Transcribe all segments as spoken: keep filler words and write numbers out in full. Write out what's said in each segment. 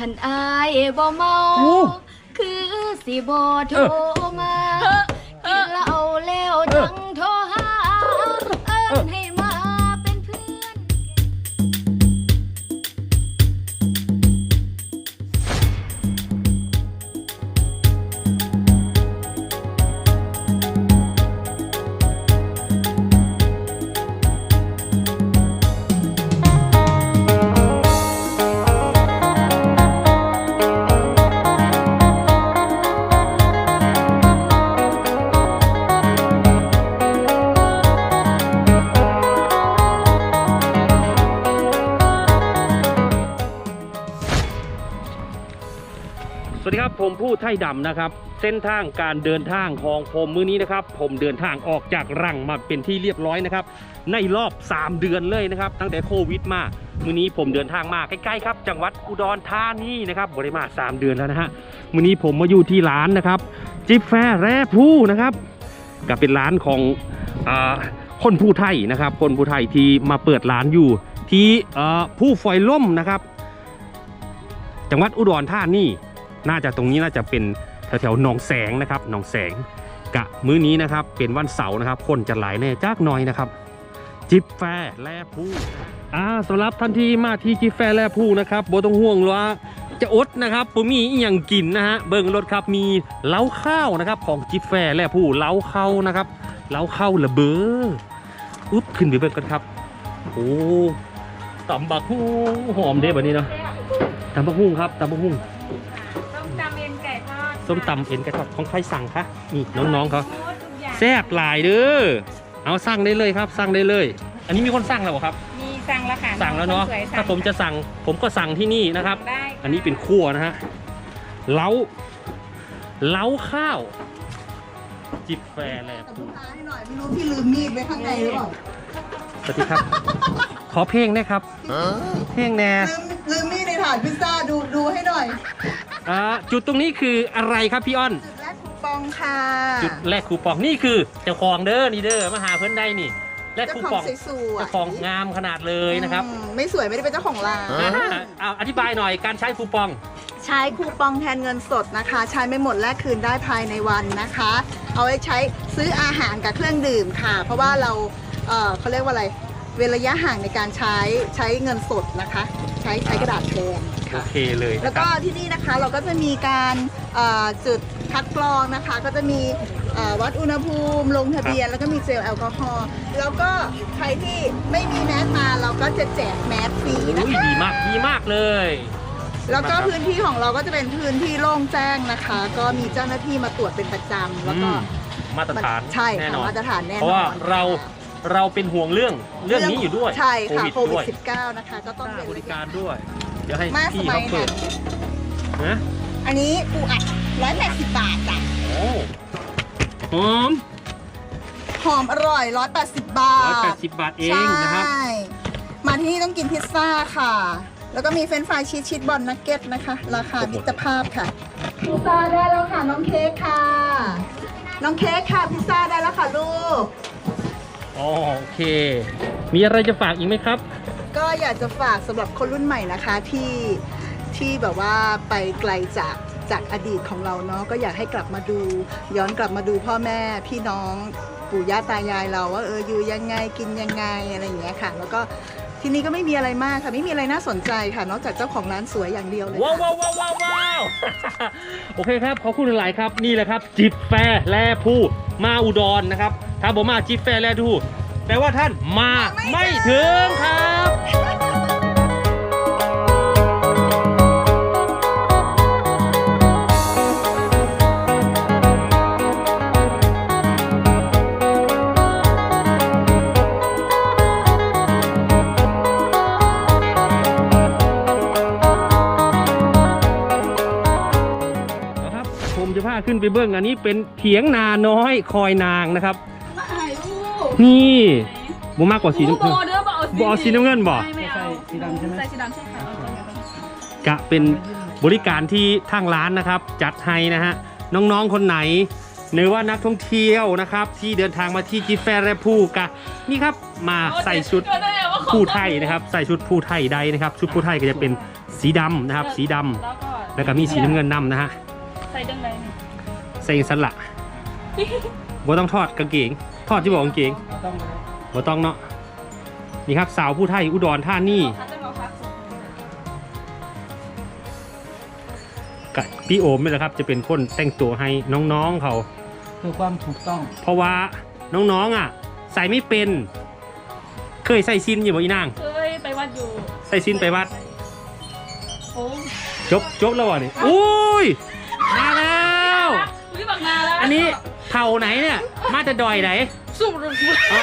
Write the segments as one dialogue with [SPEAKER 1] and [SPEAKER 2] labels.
[SPEAKER 1] ขันอายบ่เมาคือสิบ่โทรมากินเหล้าแล้วจังโทรหาเอิ้นให้มาเป็นเพื่อน
[SPEAKER 2] สวัสดีครับผมผู้ไทยดำนะครับเส้นทางการเดินทางของผมมื้อนี้นะครับผมเดินทางออกจากรังมาเป็นที่เรียบร้อยนะครับในรอบสามเดือนเลยนะครับตั้งแต่โควิดมามื้อนี้ผมเดินทางมาใกล้ๆครับจังหวัดอุดรธานีนะครับบริมาสามเดือนแล้วนะฮะมื้อนี้ผมมาอยู่ที่ร้านนะครับจิบแฟร์แร่ผู้นะครับก็เป็นร้านของอ่าคนผู้ไทยนะครับคนผู้ไทยที่มาเปิดร้านอยู่ที่ผู้ฝอยล่มนะครับจังหวัดอุดรธานีน่าจะตรงนี้น่าจะเป็นแถวๆหนองแสงนะครับหนองแสงกะมื้อนี้นะครับเป็นวันเสาร์นะครับคนจะหลายแน่จักหน่อยนะครับจิบแฟร์แร่ผู้อ่าสำหรับทันทีมาที่จิบแฟร์แร่ผู้นะครับโบต้องห่วงว่าจะอดนะครับผมมีอีหยังกินนะฮะเบิ่งรถครับมีเล้าข้าวนะครับของจิบแฟร์แร่ผู้เล้าข้าวนะครับเล้าข้าวระเบ้ออุ๊บขึ้นไปเบิ่งกันครับโอ้ตำบักหุ่งหอมเด้แบบนี้เนาะตำบักหุ่งครับตำบักหุ่ง
[SPEAKER 1] ส้มตำเอ็นไก่ทอด
[SPEAKER 2] ส้มตำเอ็นไก่ทอดของใครสั่งคะนี่น้องๆเขาแซ่บหลายเด้อเอาสั่งได้เลยครับสั่งได้เลย อันนี้มีคนสั่งแล้วเหรอครับ
[SPEAKER 1] มีสั่งแล้วค่ะ
[SPEAKER 2] สั่งแล้วเนาะถ้าผมจะสั่งผมก็สั่งที่นี่นะครับอันนี้เป็นคั่วนะฮะเล้าเล้าข้าวจิบแฟร์แลบ
[SPEAKER 3] ให้หน่อยไม่รู้พี่ลืมมีดไว้ข้างในหรือเปล่า
[SPEAKER 2] สวัสดีครับขอเพลงนะครับเพลงแน่
[SPEAKER 3] ลืมลืมมีดในถาดพิซซ่าดูดูให้หน่อย
[SPEAKER 2] อ่าจุดตรงนี้คืออะไรครับพี่อ้อน
[SPEAKER 3] จุดแรกคูปองค่ะ
[SPEAKER 2] จุดแรกคูปองนี่คือเจ้าของเด้อนี่เด้อมาหาเพื่อนได้นี่แรกคูปองเจ้าของงามขนาดเลยนะครับ
[SPEAKER 3] ไม่สวยไม่ได้เป็นเจ้าของร้าน
[SPEAKER 2] เอาอธิบายหน่อยการใช้คูปอง
[SPEAKER 3] ใช้คูปองแทนเงินสดนะคะใช้ไม่หมดแลกคืนได้ภายในวันนะคะเอาไว้ใช้ซื้ออาหารกับเครื่องดื่มค่ะเพราะว่าเราเอ่อเขาเรียกว่าอะไรเว้นระยะห่างในการใช้ใช้เงินสดนะคะใช้ใช้กระดาษแทน
[SPEAKER 2] โอเคเลย
[SPEAKER 3] แล้วก็ที่นี่นะคะเราก็จะมีการจุดคัดกรองนะคะก็จะมีวัดอุณหภูมิลงทะเบียนแล้วก็มีเจลแอลกอฮอล์แล้วก็ใครที่ไม่มีแมสมาเราก็จะแจกแมสฟรีนะคะ
[SPEAKER 2] ดีมากดีมากเลย
[SPEAKER 3] แล้วก็พื้นที่ของเราก็จะเป็นพื้นที่โล่งแจ้งนะคะก็มีเจ้าหน้าที่มาตรวจเป็นประจำแล้วก็
[SPEAKER 2] มาตรฐาน
[SPEAKER 3] ใช่แน่นอนมาตรฐานแน่นอน
[SPEAKER 2] เพราะว่าเราเราเป็นห่วงเรื่องเรื่องนี้อยู่ด้วย
[SPEAKER 3] ใช่ค่ะโควิดสิบเก้านะคะก็ต้อง
[SPEAKER 2] บริการด้วยเดี๋ยวให้พี่เขาเปิดนะ
[SPEAKER 3] อันนี้ปูอัดร้อยแปดสิบบาทจ้ะ
[SPEAKER 2] โอ้หอม
[SPEAKER 3] หอมอร่อยร้อยแปดสิบบาท
[SPEAKER 2] ร้อยแปดสิบบาทเองนะครับ
[SPEAKER 3] มาที่นี่ต้องกินพิซซ่าค่ะแล้วก็มีเฟรนช์ฟรายชีสชีสบอลนักเก็ตนะคะราคามิตรภาพค่ะพิซซ่าได้แล้วค่ะน้องเค้กค่ะน้องเค้กค่ะพิซซ่าได้แล้วค่ะลูก
[SPEAKER 2] โอเคมีอะไรจะฝากอีกไหมครับ
[SPEAKER 3] ก็อยากจะฝากสำหรับคนรุ่นใหม่นะคะที่ที่แบบว่าไปไกลจากจากอดีตของเราเนาะก็อยากให้กลับมาดูย้อนกลับมาดูพ่อแม่พี่น้องปู่ย่าตายายเราว่าเอออยู่ยังไงกินยังไงอะไรอย่างเงี้ยค่ะแล้วก็ที่นี่ก็ไม่มีอะไรมากค่ะไม่มีอะไรน่าสนใจค่ะนอกจากเจ้าของร้านสวยอย่างเดียวเลย
[SPEAKER 2] ว้าวว้าวว้าวว้าวโอเคครับขอบคุณหลายครับนี่แหละครับจิบแฟร์แลผู้มาอุดรนะครับถ้าผมมาจิบแฟร์แลผู้แปลว่าท่านมาไม่ถึงครับผมจะพาขึ้นไปเบื้องอันนี้เป็นเถียงนาน้อยคอยนางนะครับนี่บูมากกว่าสีน้ำเงินบอสีน้ำเงินบ่ใส่สีดำใช่ไหมใส่สีดำใช่ค่ะกะเป็นบริการที่ทางร้านนะครับจัดให้นะฮะน้องๆคนไหนหรือว่านักท่องเที่ยวนะครับที่เดินทางมาที่จิบแฟร์แลบพูกะนี่ครับมาใส่ชุดผู้ไทยนะครับใส่ชุดผู้ไทยใดนะครับชุดผู้ไทยก็จะเป็นสีดำนะครับสีดำ
[SPEAKER 4] แล้วก็
[SPEAKER 2] แล้วก็มีสีน้ำเงินนำนะฮะ
[SPEAKER 4] ใส่ดังไรนี่
[SPEAKER 2] ใส่สละบ่ต้องทอดกางเกงทอดที่บอกกางเกงบ่ต้องเนาะนี่ครับสาวผู้ไทยอุดรธานี
[SPEAKER 4] เขาจะมาพักส่ง
[SPEAKER 2] กับพี่โอมนี่แหละครับจะเป็นคนแต่งตัวให้น้องๆเขา
[SPEAKER 5] เพื่อความถูกต้อง
[SPEAKER 2] เพราะว่าน้องๆอ่ะใส่ไม่เป็นเคยใส่ซินอยู่บ่อีนาง
[SPEAKER 4] เคยไปวัดอยู่
[SPEAKER 2] ใส่ซินไปวัด
[SPEAKER 4] โอ้
[SPEAKER 2] จบจบแล้ววะนี่อุ้ยมาแล้ว
[SPEAKER 4] อุ้ยบักนาแล้ว
[SPEAKER 2] อันนี้เผ่าไหนเนี่ยมาแต่ดอยไหน
[SPEAKER 4] สุด
[SPEAKER 2] อ่า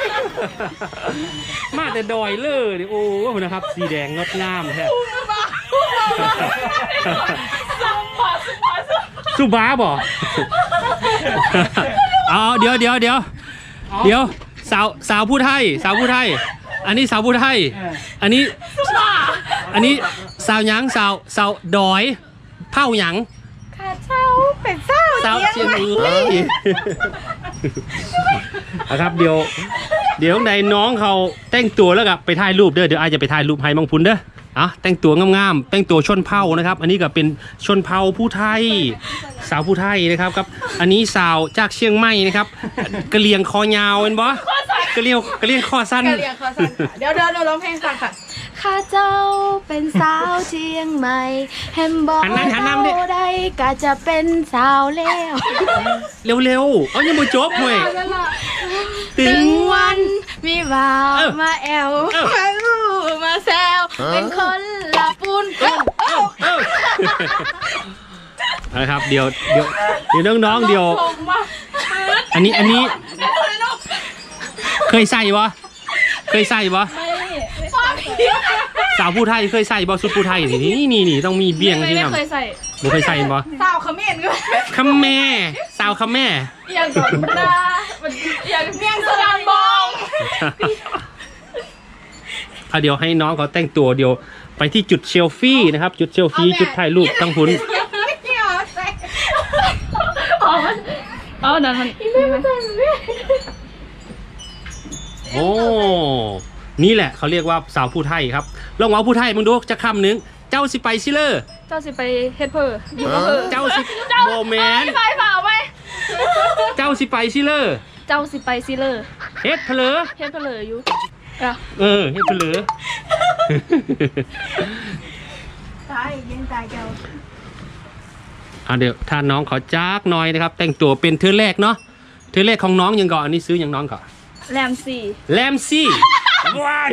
[SPEAKER 2] มาแต่ดอยเลยดิโอ้โหนะครับ สีแดงงดงามแท้
[SPEAKER 4] สัมผัสสัมผัส
[SPEAKER 2] สุบ้าบ่เอาเดี๋ยวเดี๋ยวเดี๋ยวเดี๋ยวสาวสาวผู้ไทยสาวผู้ไทย อันนี้สาวผู้ไทย อันนี้อันนี้สาวหยังสาวสาวดอยเผ่าหยัง
[SPEAKER 4] ข้าเช่าเป็นเจ้า
[SPEAKER 2] สาวเชียงเอ้ยนะครับเดี๋ยวเดี๋ยวในน้องเขาแต่งตัวแล้วกับไปถ่ายรูปเด้อเดี๋ยวอาจจะไปถ่ายรูปให้มังพุนเด้ออ่ะแต่งตัวงามๆแต่งตัวชนเผ่านะครับ อันนี้ก็เป็นชนเผ่าผู้ไทย สาวผู้ไทยนะครับครับ อันนี้สาวจากเชียงใหม่นะครับกะเหรี่ยงคอยาวเป็นบ่กะเหรี่ยงกะเหรี่ยงคอสั้น
[SPEAKER 4] เรียกข้าสั้นค่ะเดี๋ยวเดี๋ยวเราร้องเพลงฟังค่ะ
[SPEAKER 1] ข้าเจ้าเป็นสาวเชียงใหม่แฮมบอก
[SPEAKER 2] หันหน้าหันหน้ามาดิ
[SPEAKER 1] เท่าใดก็จะเป็นสาวแล้ว
[SPEAKER 2] เร็วๆเอายังบ่จบเว้ยถึ
[SPEAKER 1] ถึ
[SPEAKER 2] ง
[SPEAKER 1] ง
[SPEAKER 2] วั
[SPEAKER 1] วัน นมีบ่าว
[SPEAKER 2] เออ
[SPEAKER 1] มาแอว
[SPEAKER 2] เออ
[SPEAKER 1] มาอู้มาแซวเป็นคนละปูนกัน
[SPEAKER 2] เอ้าเอ้านะครับเดี๋ยวเดี๋ยวเดี๋ยวน้องๆเดี๋ยว
[SPEAKER 4] ชมว่า
[SPEAKER 2] อันนี้อันนี้เคยใส่ปะเคยใส่ปะ
[SPEAKER 4] ไม่
[SPEAKER 2] สาวผู้ไทยเคยใส่ปะชุดผู้ไทยนี่นี่นี่นี่ต้องมีเบี้ยง
[SPEAKER 4] ไม่
[SPEAKER 2] ที่
[SPEAKER 4] ไม่
[SPEAKER 2] นำ
[SPEAKER 4] เคยใส่
[SPEAKER 2] ไม่เคยใส่ปะ
[SPEAKER 4] สาวเขมิ้นก็
[SPEAKER 2] คำแม่สาวคำแม่
[SPEAKER 4] อย่างก่อนดาอย่างเมียงสลามบอง
[SPEAKER 2] อ่ะเดี๋ยวให้น้องเขาแต่งตัวเดี๋ยวไปที่จุดเชลฟี่นะครับจุดเชลฟี่จุดถ่ายรูปตั้งหุ่น
[SPEAKER 4] อ๋ออ๋อนั่นมัน
[SPEAKER 2] โอ้นี่แหละเขาเรียกว่าสาวผู้ไทยครับลองเอาผู้ไทยมึงดูจะคำหนึ่งเจ้าสิไปซิเลอร์
[SPEAKER 4] เจ้าสิไปเฮ็ดเพออยู่กับเพอ
[SPEAKER 2] เจ้าสิโบแมน
[SPEAKER 4] ไปเปล่าไป
[SPEAKER 2] เจ้าสิไปซิเลอร์
[SPEAKER 4] เจ้าสิไปซิเลอร์
[SPEAKER 2] เฮ็ดเพลอ
[SPEAKER 4] เฮ็ดเพลออยู่อ่ะ
[SPEAKER 2] เออเฮ็ดเพลอ
[SPEAKER 3] ตายยังตายเจ้า
[SPEAKER 2] อ่ะเดี๋ยวถ้าน้องเขาจักหน่อยนะครับ แต่งตัวเป็นเธอแรกเนาะเธอแรกของน้องยังก่อนอันนี้ซื้อยังน้องก่อน
[SPEAKER 4] แรมสี่
[SPEAKER 2] แลมซี่ว้าย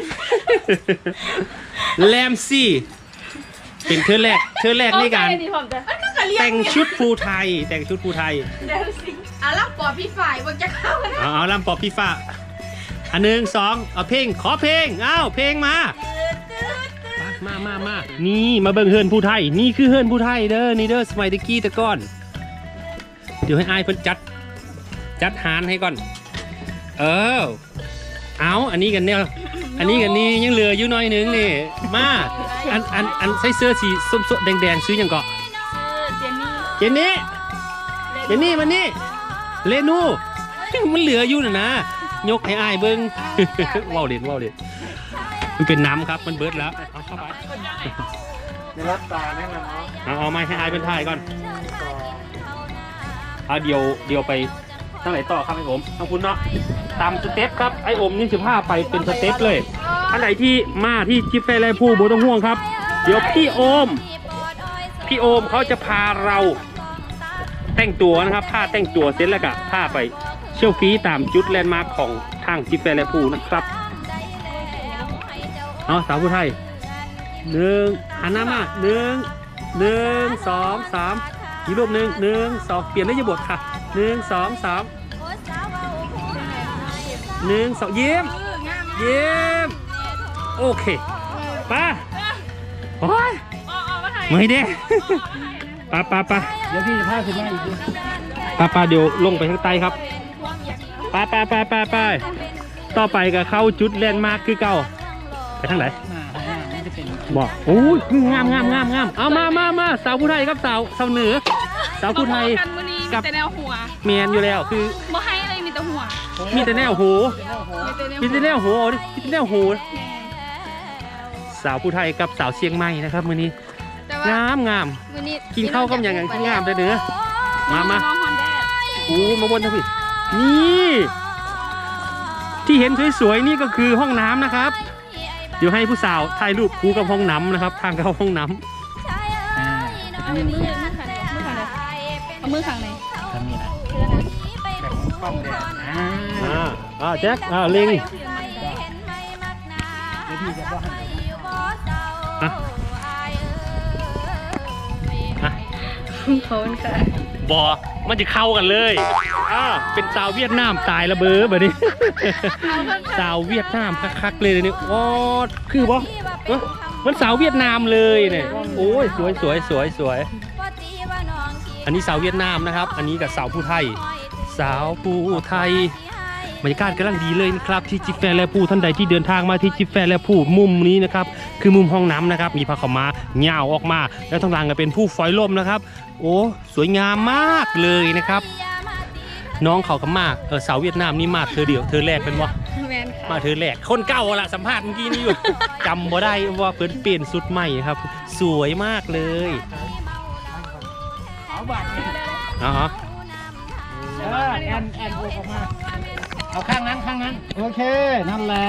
[SPEAKER 2] แลมซี่เป็นเธอแรกเธอแรกในการ
[SPEAKER 4] โอเคดีผมจะ
[SPEAKER 2] แต่งชุดภูไทย แต่งชุดภูไทย
[SPEAKER 4] แรมสี่
[SPEAKER 1] อ่ะแล้วปอพี่ฝ่ายว่าจะเข้ากัน
[SPEAKER 2] เอาเอาลำปอบพี่ฟ้าอันหนึ่งสองเอาเพลงขอเพลงอ้าวเพลงมามามามานี่มาเบิ่งเฮือนผู้ไทยนี่คือเฮือนผู้ไทยเด้อนี่เด้อสมัยตะกี้ตะก้อน เดี๋ยวให้อายเพิ่นจัดจัดหารให้ก่อน เออเอาอันนี้กันเนี่ยอันนี้กันนี่ยังเหลืออยู่หน้อยหนึงนี่มาอันอันอันใส่เสื้อสีส้มๆแดงๆซื้อหยังเกาะ
[SPEAKER 4] เจนนี่
[SPEAKER 2] เจนนี่เจนนี่มันนี่เลนู มันเหลืออยู่น่ะนะยกให้อายเบิ้ง ว้าวเด็ดว้าวเด็ดมันเป็นน้ำครับมันเบิดแล้วเอาเข้าไป
[SPEAKER 5] ในรับตาแน่นอนเนาะ
[SPEAKER 2] เอาเอาไม้ให้อายเป็นท่ายก่อนเอาเดี๋ยวเดี๋ยวไปทางไหนต่อครับไอ้โอมทางคุณเนาะตามสเต็ปครับไอ้โอมนี่สิบห้าไปเป็นสเต็ปเลยอันไหนที่มาที่จิฟเฟ่ไรผู้โบต้องห่วงครับ เดี๋ยวพี่โอมพี่โอมเขาจะพาเราแต่งตัวนะครับผ้าแต่งตัวเสร็จแล้วก็ผ้าไปเชี่ยวฟีตามจุดแลนด์มาร์คของทางจิฟเฟ่ไรผู้นะครับเอาสาวผู้ไทยหนึ่งหันหน้ามาหนึ่งหนึ่งสองสามอีกรูปหนึ่งหนึ่งสองเปลี่ยนได้ยบทค่ะหนึ่งสองสามหนึ่งสองเยี่ยมเยี่ยมโอเคป้าโอ้ย
[SPEAKER 4] อ๋อมาถ่าย
[SPEAKER 2] ไม่ได้ป้าป้าป้า
[SPEAKER 5] เดี๋ยวพี่จะพาคุณแม่อีกที
[SPEAKER 2] ป้าป้าเดี๋ยวลงไปข้างใต้ครับป้าป้าป้าป้าป้าต่อไปก็เข้าจุดแลนด์มาร์คคือเก่าไปทางไหน
[SPEAKER 5] หน้าหน้านี่จะเป็น
[SPEAKER 2] บอกโอ้ยงามงามงามงามเอามามามาสาวผู้ไทยครับสาวสาวเหนือสาวผู้ไทย
[SPEAKER 4] กันวันนี้
[SPEAKER 2] กับ
[SPEAKER 4] มีแต่แนวหัว
[SPEAKER 2] เมียนอยู่แล้วคือ
[SPEAKER 4] บ่ให้อะไรมีแต่หัว
[SPEAKER 2] มีแต่แนวโห
[SPEAKER 4] มีแต่แนว
[SPEAKER 2] มีแต่แนวโหดิมีแต่แนวโห
[SPEAKER 4] แหม
[SPEAKER 2] าวผู้ไทยกับสาวเชียงใหม่นะครับมื้อนี้
[SPEAKER 1] แต่ว่าง
[SPEAKER 2] ามงาม
[SPEAKER 1] มื้อนี้
[SPEAKER 2] กินข้าวกับอย่างอย่างที่งามเลยเด้อมามา
[SPEAKER 4] น้องฮอนแดด
[SPEAKER 2] โอ้มาบนทวีนี่ที่เห็นสวยๆนี่ก็คือห้องน้ำนะครับเดี๋ยวให้ผู้สาวถ่ายรูปคู่กับห้องน้ำนะครับทางเข้าห้องน้ำ
[SPEAKER 5] อ่า
[SPEAKER 4] เอามือมือขังไหนมือขังไหนเอามือขังไหน
[SPEAKER 5] ทำนี่นะแบบกล้องแดดอ่า
[SPEAKER 2] อ่าอ่าแจ็คอ่าลิง
[SPEAKER 5] แล้วพี่จะว่าให้
[SPEAKER 2] อ่ะอ่ะ
[SPEAKER 1] เขาเป็นค่ะ
[SPEAKER 2] บอมันจะเข้ากันเลยอ่าเป็นสาวเวียดนามตายระเบ้อแบบนี้ สาวเวียดนามคักๆเลยนี่โอ้คือบอเอ้อมันสาวเวียดนามเลยเนี่ยโอ้ยสวยสวยสวยสวยอันนี้สาวเวียดนามนะครับ อันนี้กับสาวผู้ไทย สาวผู้ไทยบรรยากาศกำลังดีเลยนะครับที่จิฟแฟร์และผู้ท่านใดที่เดินทางมาที่จิฟแฟร์และผู้มุมนี้นะครับคือมุมห้องน้ำนะครับมีผ้าขาวม้าเหงาออกมาแล้วทางหลังก็เป็นผู้ฝอยลมนะครับโอ้สวยงามมากเลยนะครับ น้องเขาก็มากเออสาวเวียดนามนี่มาเธอเดียวเธอแรกเป็นวะ
[SPEAKER 1] แมนค่ะ
[SPEAKER 2] มาเธอแรกคนเก่าละสัมภาษณ์เมื่อกี้นี่อยู่ จำบ่ได้ว่าเพิ่นเปลี่ยนสุดใหม่ครับ สวยมากเลย
[SPEAKER 5] เอาบัตรเนี่ย
[SPEAKER 2] อ๋อ
[SPEAKER 5] เออแอนแอนโอออกมาเอาข้างนั้นข้างนั้นโอเคนั่นแหละ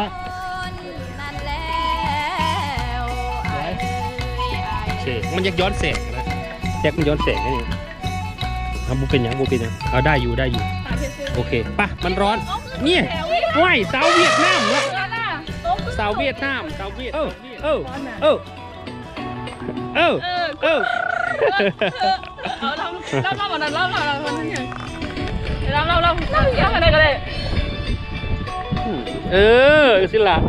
[SPEAKER 5] สวย
[SPEAKER 2] โอเคมันยักย้อนแสงนะแจ็คมันย้อนแสงนี่ทำบุเป็นหยังบุเป็นหยังเอาได้อยู่ได้อยู่โอเคป่ะมันร้อนเนี่ยว้ายสาวเวียดนามละสาวเวียดนามสาวเวียดเออเออเออเออเออ
[SPEAKER 4] เอาเราเราเราแบบนั้นเราเราเราเราเราเราเราเราอะไรก็ได้
[SPEAKER 2] เออสิล่ะ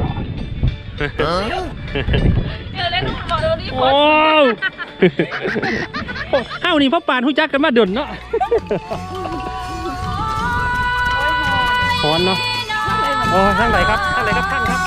[SPEAKER 4] เจอเล่นบอกเราดิ
[SPEAKER 2] โอ้เฮ้านี่พ่อปานหู้จักกันมาดนเนาะฮ้อนเนาะโอ้ทางไหนครับทางไหนครับท่านครับ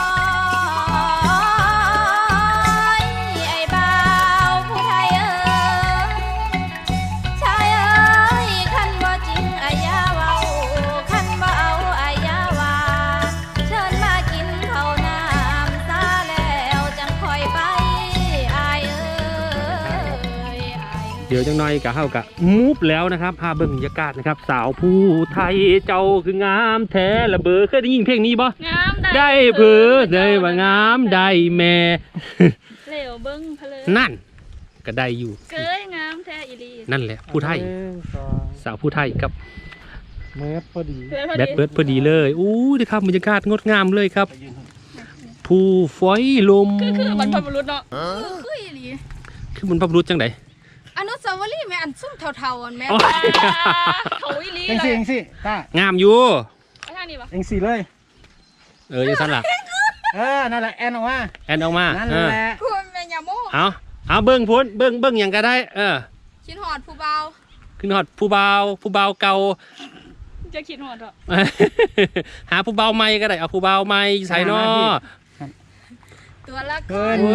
[SPEAKER 1] ไอ้บ่าวผู้ไทยเอ้ยชายเอ้ยคันบ่จริงอายาเว้าคันบ่เอาอายาว่าเชิญมากินข้าวน้ำซาแล้วจังคอยไปอายเอ้ยอาย
[SPEAKER 2] เดี๋ยวจังหน่อยกะเฮากะมูฟแล้วนะครับพาเบิ่งบรรยากาศนะครับ สาวผู้ไทยเจ้าคืองามแท้ละเบอเคยได้ยินเพลงนี้บ่
[SPEAKER 4] งาม
[SPEAKER 2] ได้เผือได้ว่างามได้แม่
[SPEAKER 4] เหลวเบิ้งเพล
[SPEAKER 2] นั่นก็ได้อยู่
[SPEAKER 4] เกยงามแท้อีลี
[SPEAKER 2] นั่นแหละผู้ไทย
[SPEAKER 5] หนึ่งสอง
[SPEAKER 2] สาวผู้ไทยกับ
[SPEAKER 5] เมตรพอดี
[SPEAKER 2] แบดเบิร์ดพอดีเลยอู้ดีครับบรรยากาศงดงามเลยครับ ผู้ฝอยลม
[SPEAKER 4] คือคือบรรพบุรุษเนาะ
[SPEAKER 1] คืออีหลี
[SPEAKER 2] คือมันพระบุรุษจังได
[SPEAKER 1] อนุสาวรีย์แม่อันซุ่มเทาๆอันแม่
[SPEAKER 2] อ๋อ
[SPEAKER 4] เขาอีลี
[SPEAKER 5] เอ็ง
[SPEAKER 4] เล
[SPEAKER 5] สี่
[SPEAKER 4] ย
[SPEAKER 5] เอ็งสี่ตาง
[SPEAKER 2] ามอยู่
[SPEAKER 4] ไปทางนี้ปะ
[SPEAKER 5] เอ็งสี่เลย
[SPEAKER 2] เออยังสั้นล่ะ
[SPEAKER 5] เออนั่นแหละแอนออกมา
[SPEAKER 2] แอนออกมา
[SPEAKER 5] นั่น
[SPEAKER 2] เออ
[SPEAKER 5] แหละ
[SPEAKER 1] พูดแม่ยาโม
[SPEAKER 2] เอาเอาเบิ้งพ้นเบิ้งเบิ้งอย่างก็ได้ เออ
[SPEAKER 1] ชิ้นหอดผู้เบา
[SPEAKER 2] ขึ้นฮอดผู้เบาผู้เบาเก่า
[SPEAKER 4] จะคิดหัวเถอะ
[SPEAKER 2] หาผู้เบาใหม่ก็ได้เอาผู้เบาใหม่ใส่นอ
[SPEAKER 1] ตัวละค
[SPEAKER 5] เกิ
[SPEAKER 1] ร
[SPEAKER 5] น
[SPEAKER 2] เอ
[SPEAKER 5] มา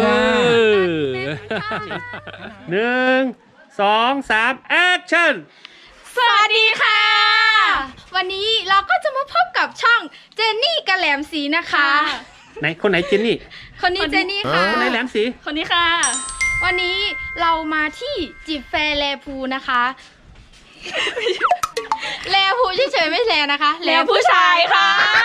[SPEAKER 2] อหนึ่งสองสามแอคชั่น
[SPEAKER 1] สวัสดีค่ะ วันนี้เราก็จะมาพบกับช่องเจนนี่กระแหลมสีนะคะ
[SPEAKER 2] ไหนคนไหนเจนนี่
[SPEAKER 1] คนนี้เจนนี่ค่ะ
[SPEAKER 2] คนไหนแหลมสี
[SPEAKER 4] คนนี้ค่ะ
[SPEAKER 1] วันนี้เรามาที่จิบแฟร์แลพูนะคะ แลพูเฉยๆไม่แลนะคะ
[SPEAKER 4] แล้วผู้ชายค่ะ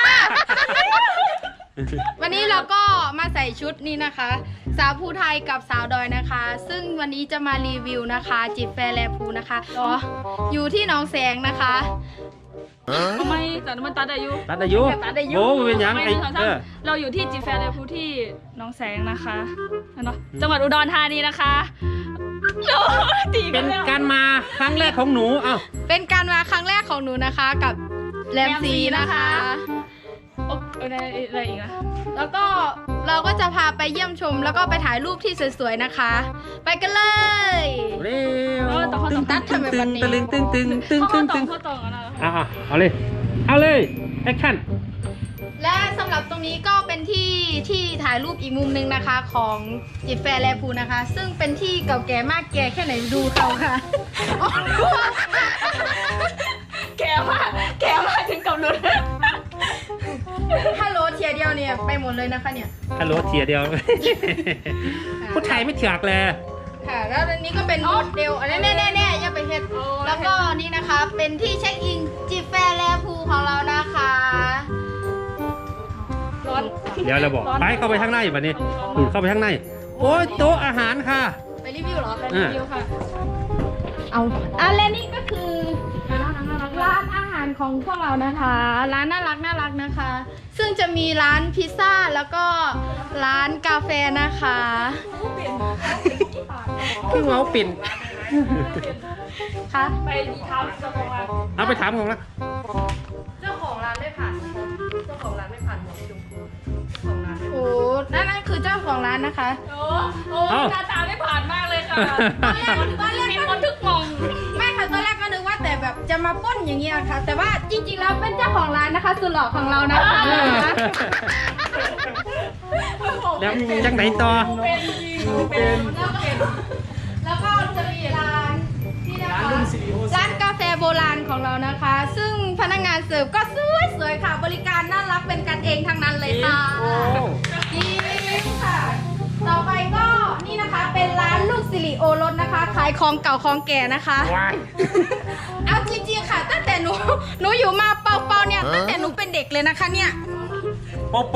[SPEAKER 1] วันนี้เราก็มาใส่ชุดนี้นะคะ สาวภูไทยกับสาวดอยนะคะ ซึ่งวันนี้จะมารีวิวนะคะจิบแฟร์แลพูนะคะอ๋ออยู่ที่หนองแสงนะคะ
[SPEAKER 4] ทำไมแต่มันตัดอายุ
[SPEAKER 2] ตัดอายุ
[SPEAKER 1] ตัดอายุ
[SPEAKER 2] โอ้มันเป็นหยัง
[SPEAKER 4] ไม่
[SPEAKER 2] ไอ้
[SPEAKER 4] ถึงสอง
[SPEAKER 2] เอ
[SPEAKER 4] สาม
[SPEAKER 2] อ
[SPEAKER 4] เราอยู่ที่จีแฟร์เลยผู้ที่หน้องแสงนะคะเนาะจังหวัดอุดรธานีนะคะโอ้ตีกั
[SPEAKER 2] เป็น น
[SPEAKER 4] แล้ว
[SPEAKER 2] การมาครั้งแรกของหนูเอ้า
[SPEAKER 1] เป็นการมาครั้งแรกของหนูนะคะกับแรมซีนะคะ
[SPEAKER 4] โอ้อะไรอะไรอีกอะ
[SPEAKER 1] แล้วก็เราก็จะพาไปเยี่ยมชม แล้วก็ไปถ่ายรูปที่สวยๆนะคะ ไปกันเลย
[SPEAKER 2] เร็ว
[SPEAKER 4] เออต่อข้อ
[SPEAKER 1] ตึ
[SPEAKER 4] ต่อง
[SPEAKER 1] ตัดทำไมแบบนี้
[SPEAKER 2] ตึงตึงตึงตึง
[SPEAKER 4] ข้
[SPEAKER 2] ตึ
[SPEAKER 4] อง ต่
[SPEAKER 2] ตึ
[SPEAKER 4] อง ข้อต่อกันนะ
[SPEAKER 2] อ่ะเอาเลยเอาเลยแอคชั่น
[SPEAKER 1] และสำหรับตรงนี้ก็เป็นที่ที่ถ่ายรูปอีกมุมหนึงนะคะของจิบแฟร์แลพูนะคะ ซึ่งเป็นที่เก่าแก่มากแก่แค่ไหนดูเขาค่ะ
[SPEAKER 4] แกมากแกมากถึงกับรุน
[SPEAKER 1] ฮัลโหลเทียเดียวเนี่ยไปหมดเลยนะคะเนี่ย
[SPEAKER 2] ฮัลโหลเทียเดียว ผู้ชายไม่เถือกเลย
[SPEAKER 1] ค่ะแล้วอันนี้ก็เป็นโมเดลอันนี้แน่ๆๆอย่าไปเฮ็ดแล้วก็นี่นะคะเป็นที่เช็คอินจิบแฟร์แลพูของเรานะคะ
[SPEAKER 4] ร้อน
[SPEAKER 2] เดี๋ยวเราบอกไปเข้าไปข้างในแบบนี้อืมเข้าไปข้างในโอ้ยโต๊ะอาหารค่ะ
[SPEAKER 1] ไปรีวิวเหรอ
[SPEAKER 4] ไปรีวิวค่ะ
[SPEAKER 1] เอาอ่ะและนี่ก็คือร้านอาหารของพวกเรานะคะ ร้านน่ารักน่ารักนะคะ ซึ่งจะมีร้านพิซซ่าแล้วก็ร้านกาแฟนะคะ
[SPEAKER 2] เพิ่งเอาปิ่น
[SPEAKER 1] ค่ะ
[SPEAKER 4] ไปดีเท้าเจ้าของร้าน
[SPEAKER 2] เอาไปถามของละ
[SPEAKER 1] เจ้าของร้านไม่ผ่านเจ้าของร้านไม่ผ่านหมดชมพูของร้านโอ้นั่นนั่นคือเจ้าของร้านนะคะ
[SPEAKER 4] โอ้โอ้หน้าตาไม่ผ่านมากเลยค่ะ
[SPEAKER 1] ตอนแรกตอนแรก
[SPEAKER 4] มี
[SPEAKER 1] ก็
[SPEAKER 4] คนทึกมอง
[SPEAKER 1] ไม่ค่ะตอนแรกก็นึกว่าแต่แบบจะมาปล้นอย่างเงี้ยค่ะ แต่ว่าจริงๆแล้วเป็นเจ้าของร้านนะคะสุดหล่อของเรานะคะ
[SPEAKER 2] แล้วจังไหนต่อ
[SPEAKER 4] เป็นจริงเป็น
[SPEAKER 1] แล้วก็จะมีร้านที่นะคะร้านกาแฟโบราณของเรานะคะ ซึ่งพนักงานเสิร์ฟก็สวยๆค่ะ บริการน่ารักเป็นกันเองทั้งนั้นเลยค่ะจริงค่ะ ต่อไปก็นี่นะคะเป็นร้านลูกสิริโอรสนะคะ ขายของเก่าของแก่นะคะ
[SPEAKER 2] ว้าย
[SPEAKER 1] เอาจริงๆค่ะ ตั้งแต่หนูหนูอยู่มาเป่าๆเนี่ยตั้งแต่หนูเป็นเด็กเลยนะคะเนี่ย
[SPEAKER 2] โปโป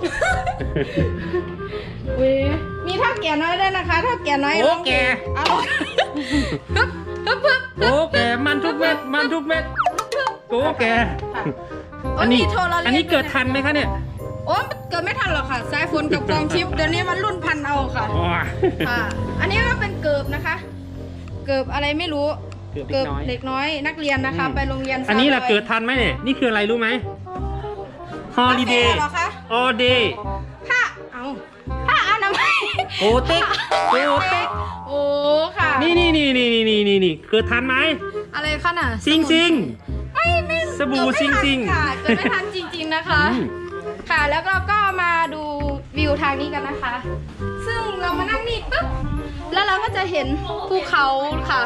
[SPEAKER 1] มีเท่าแก่น้อยด้วยนะคะเท่าแก่น้อย
[SPEAKER 2] โอ้แก
[SPEAKER 1] เอาฮึบฮึบฮึบ
[SPEAKER 2] โอ้แกมันทุกเม็ดมันทุกเม็ดโอ้แก
[SPEAKER 1] โอ้
[SPEAKER 2] อัน
[SPEAKER 1] มี
[SPEAKER 2] นี้
[SPEAKER 1] โทรเราเล่น
[SPEAKER 2] อันนี้เกิดทันไหมคะเนี่ย
[SPEAKER 1] โอ้เกิดไม่ทันหรอกค่ะสายฝนกับกองชิปเดี๋ยวนี้มันรุ่นพันเอาค่ะ
[SPEAKER 2] ว้า
[SPEAKER 1] ค่ะ อันนี้ก็เป็นเกิบนะคะ เกิบอะไรไม่รู้
[SPEAKER 2] เกิบเด็
[SPEAKER 1] เด็
[SPEAKER 2] ก
[SPEAKER 1] ก
[SPEAKER 2] น้
[SPEAKER 1] น้
[SPEAKER 2] อ
[SPEAKER 1] อย ยนักเรียนนะคะ ไปโรงเรียน
[SPEAKER 2] อันนี้ล่ะ
[SPEAKER 1] สาว
[SPEAKER 2] เกิดทันไหมเนี่ยนี่คืออะไรรู้ไหม Holiday
[SPEAKER 1] เหรอคะ
[SPEAKER 2] all day
[SPEAKER 1] ผ้าเอาผ้าอนามัย
[SPEAKER 2] โอเต็กโอเต็ก
[SPEAKER 1] โอ้ค่ะ
[SPEAKER 2] นี่นี่นี่นี่นี่นี่นี่เกิดทันไหม
[SPEAKER 1] อะไรคะน่ะ
[SPEAKER 2] ซิงซิง
[SPEAKER 1] ไม่ไม่
[SPEAKER 2] สบู่
[SPEAKER 1] เกิดไม่ทัน
[SPEAKER 2] ซิงๆ
[SPEAKER 1] ค่ะเกิดไม่ทันจริง ๆนะคะ
[SPEAKER 2] อืม
[SPEAKER 1] ค่ะแล้วเราก็มาดูวิวทางนี้กันนะคะ ซึ่งเรามานั่งนี่ปุ๊บแล้วเราก็จะเห็นภูเขาค่ะ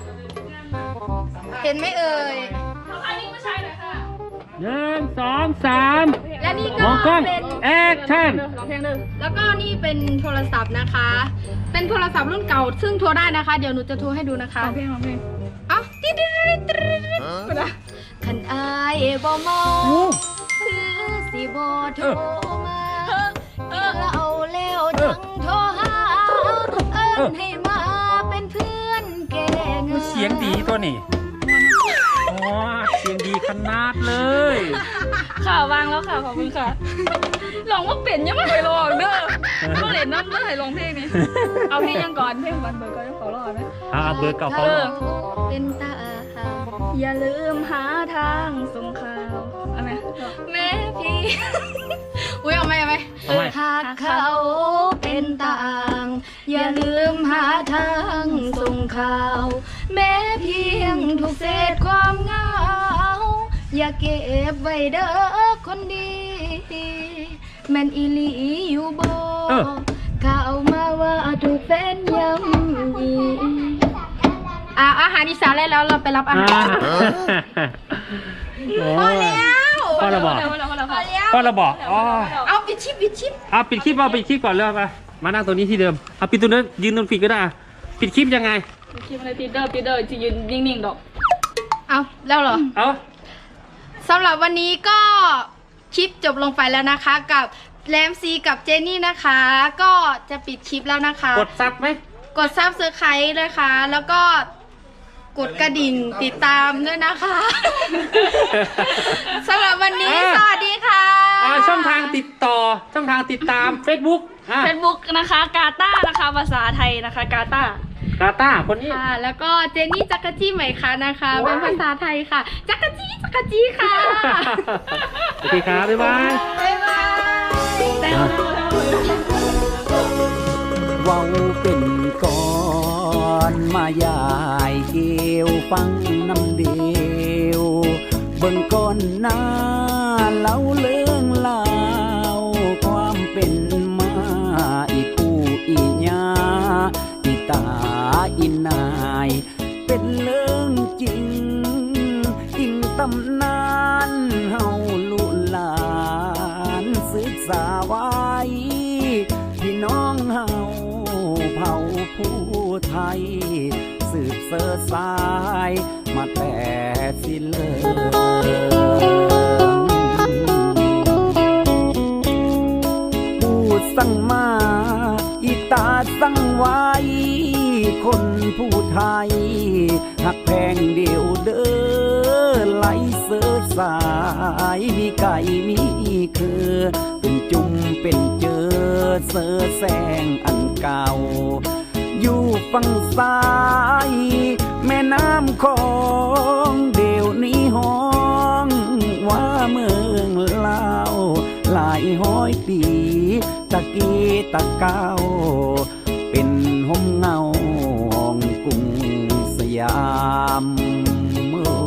[SPEAKER 1] เห็นไหมเอ่ย
[SPEAKER 4] อันนี้ผู้ชายหน่อยค่ะ
[SPEAKER 2] หนึ่งสองสาม
[SPEAKER 1] และนี่
[SPEAKER 2] ม
[SPEAKER 1] ก็
[SPEAKER 2] องกล้อง
[SPEAKER 1] เป็น
[SPEAKER 2] แอคชั่น
[SPEAKER 4] ร้องเพลงหนึ่ง
[SPEAKER 1] แล้วก็นี่เป็นโทรศัพท์นะคะ เป็นโทรศัพท์รุ่นเก่า ซึ่งโทรได้นะคะ เดี๋ยวหนูจะโทรให้ดูนะคะ
[SPEAKER 4] ร้องเพลงร้องเพลง
[SPEAKER 1] เอ้าติ๊ดติ๊ดติ๊ดติ๊ดนะคันอายบ่มองคือสิบ่โทรมาเออเอาแล้วจังโทรหาเอิ้นให้มาเป็นเพื่อนแกงาน
[SPEAKER 2] เสียงดีตัวนี้อ๋อเสียงดีขนาดเลย
[SPEAKER 4] ค่ะวางแล้วค่ะขอบคุณค่ะลองว่าเป็นยังไม่เคยลองเด้อต้องเล่นน้ำเด้อให้ลองเพลงนี้เอาเพลงยังก่อนเพลงก่อนเบิร์ดก่อนขอรอไหม
[SPEAKER 2] อ่าเบอร์เก่าเขา
[SPEAKER 4] เออ
[SPEAKER 1] เป็นตา
[SPEAKER 4] อย่าลืมหาทางส่งข่าวเอาไหม
[SPEAKER 1] แม่พี่ อุ้ยเอาไหมเอาไหม
[SPEAKER 2] ทำไม
[SPEAKER 1] หากเขาเป็นต่าง อย่าลืมหาทางส่งข่าว แม้เพียงทุกเศษความเหงา อย่าเก็บไว้เด้อคนดี แม่นอีหลีอยู่บ่
[SPEAKER 2] เออ
[SPEAKER 1] ข่าวมาว่าถูกแฟนย้ำยีอ่ะอาหารอีสานแล้วเราไปรับอาหาร พอแล้ว
[SPEAKER 2] พ่อเราบอก
[SPEAKER 4] พอแล้วพอแล้วพอแล้ว
[SPEAKER 2] พ่อเราบอกอ๋อ
[SPEAKER 1] เอาปิดชิปปิดชิป
[SPEAKER 2] เอาปิดคลิปเอาปิดคลิปก่อนเลยไปมานั่งตรงนี้ที่เดิมเอาปิดตรงนั้นยืนตรงปิดก็ได้อ่ะปิดคลิปยังไง
[SPEAKER 4] คลิปอะไรปีเดอร์ปีเดอร์จะยืนนิ่งๆดอก
[SPEAKER 1] เอาแล้วเหรอ
[SPEAKER 2] เอา
[SPEAKER 1] สำหรับวันนี้ก็คลิปจบลงไปแล้วนะคะ กับแรมซีกับเจนี่นะคะ ก็จะปิดคลิปแล้วนะคะ
[SPEAKER 2] กดซับไหม
[SPEAKER 1] กดซับสไครต์เลยค่ะ แล้วก็กดกระดิ่งติดตามด้วยนะคะ สำหรับวันนี้
[SPEAKER 2] อ่า
[SPEAKER 1] สวัสดีค่ะ
[SPEAKER 2] อ่าช่องทางติดต่อช่องทางติดตาม Facebook อ่ะ
[SPEAKER 4] เฟซบุ๊กนะคะกาตานะคะภาษาไทยนะคะกาตาก
[SPEAKER 2] าตาคนนี้
[SPEAKER 1] ค่ะ แล้วก็เจนนี่จักรจี้ใหม่ค่ะนะคะ เป็นภาษาไทยค่ะ จักรจี้จักรจี้ค่ะ
[SPEAKER 2] โอเคครับบ๊ายบาย
[SPEAKER 1] บ๊ายบาย
[SPEAKER 6] เว้าเป็นก่อนมายายเกี่ยวฟังน้ำเดียวเบิ่งก้อนหน้าเล่าเรื่องลาวความเป็นมาอีปู่อีญาอีตาอีนายเป็นเรื่องจริงอิงตำนานเฮาลุลานผู้ไทย สืบเสือสายมาแต่สิเลิผู้สั่งมาอีตาสั่งไว้ คนผู้ไทยหักแพงเดียวเด้อไหลเสือสายมีไก่มีคือเป็นจุ่มเป็นเจอเสือแสงอันเก่าอยู่ฝั่งซ้ายแม่น้ำของเดี๋ยวนี้ห้องว่าเมืองลาวหลายห้อยปีตะกี้ตะเก้าเป็นห่มเงาห้องกรุงสยามเมื่อ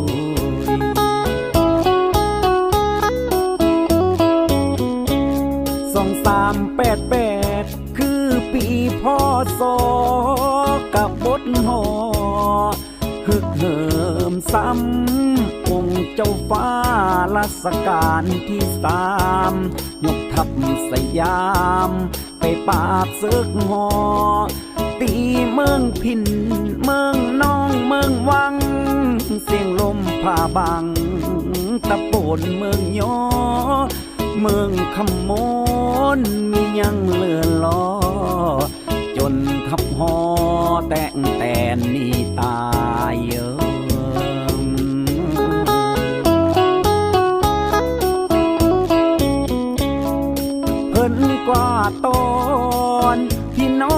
[SPEAKER 6] สองสามแปดแปดคือปีพ่อสอกับบทหอฮึกเหิมซ้ำองค์เจ้าฟ้ารัชกาลที่สามยกทัพสยามไปปราบศึกหอตีเมืองพินเมืองน้องเมืองวังเสียงลมผ่าบังตะโปนเมืองยอเมืองคำมนมียังเลือนล้อจนทับหอแต่งแต่นี่ตายเยิมเพิ่นกว่าตอนพี่น้